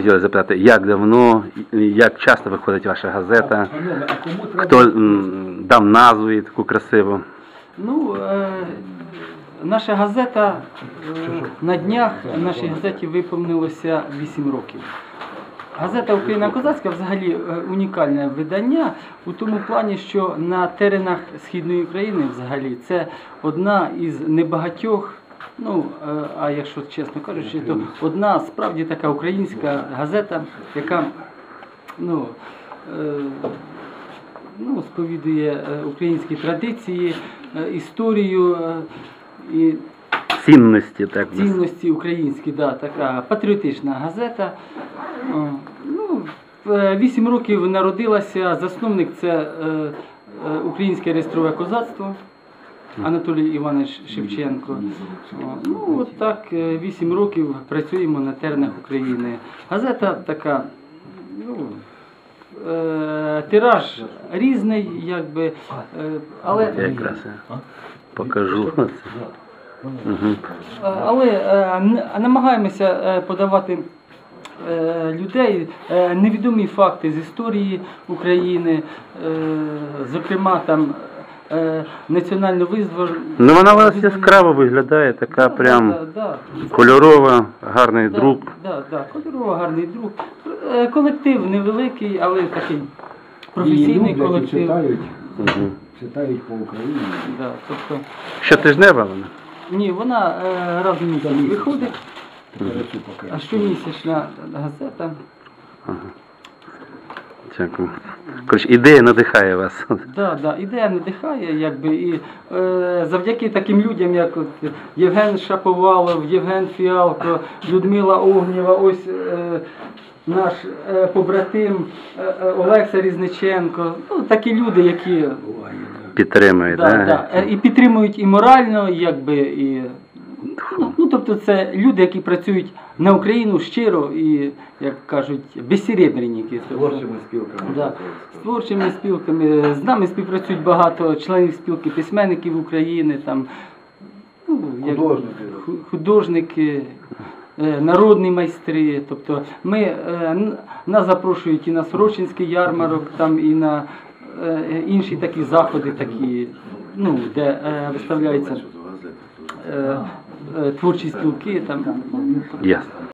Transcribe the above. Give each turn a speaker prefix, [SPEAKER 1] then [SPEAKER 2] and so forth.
[SPEAKER 1] хотіли запитати, як давно, як часто виходить ваша газета, хто дав назву їй таку красиву?
[SPEAKER 2] Ну, наша газета, на днях нашій газеті виповнилося 8 років. Газета «Україна козацька» взагалі унікальне видання у тому плані, що на теренах Східної України взагалі це одна із небагатьох, ну, а якщо чесно кажучи, то одна справді така українська газета, яка сповідує українські традиції, історію і цінності українські, да, така патріотична газета. 8 років народилася, засновник це Українське реєстрове козацтво Анатолій Іванович Шевченко. Ну, от так 8 років працюємо на теренах України. Газета така, тираж різний, якби, але...
[SPEAKER 1] Якраз покажу.
[SPEAKER 2] Але намагаємося подавати людей невідомі факти з історії України, зокрема там національно визвольну.
[SPEAKER 1] Ну вона у вас яскраво виглядає, така прям кольорова, гарний друк.
[SPEAKER 2] Так, кольорова, гарний друк. Колектив невеликий, але такий професійний колектив.
[SPEAKER 3] Читають по Україні.
[SPEAKER 1] Щотижнева вона?
[SPEAKER 2] Ні, вона раз в місяць виходить. А щомісячна газета.
[SPEAKER 1] Дякую. Коротше, ідея надихає вас.
[SPEAKER 2] Так, ідея надихає, якби, і завдяки таким людям, як от Євген Шаповалов, Євген Фіалко, Людмила Огнєва, ось наш побратим Олекса Різниченко, ну, такі люди, які
[SPEAKER 1] підтримують,
[SPEAKER 2] і підтримують і морально, якби, і тобто це люди, які працюють на Україну щиро і, як кажуть, безсеребренники.
[SPEAKER 3] З творчими спілками.
[SPEAKER 2] З творчими спілками. З нами співпрацюють багато членів спілки письменників України, там, художники, народні майстри. Тобто нас запрошують і на Сорочинський ярмарок, там, і на інші такі заходи, такі, де виставляються творчі спілки. Там.
[SPEAKER 1] Ясно.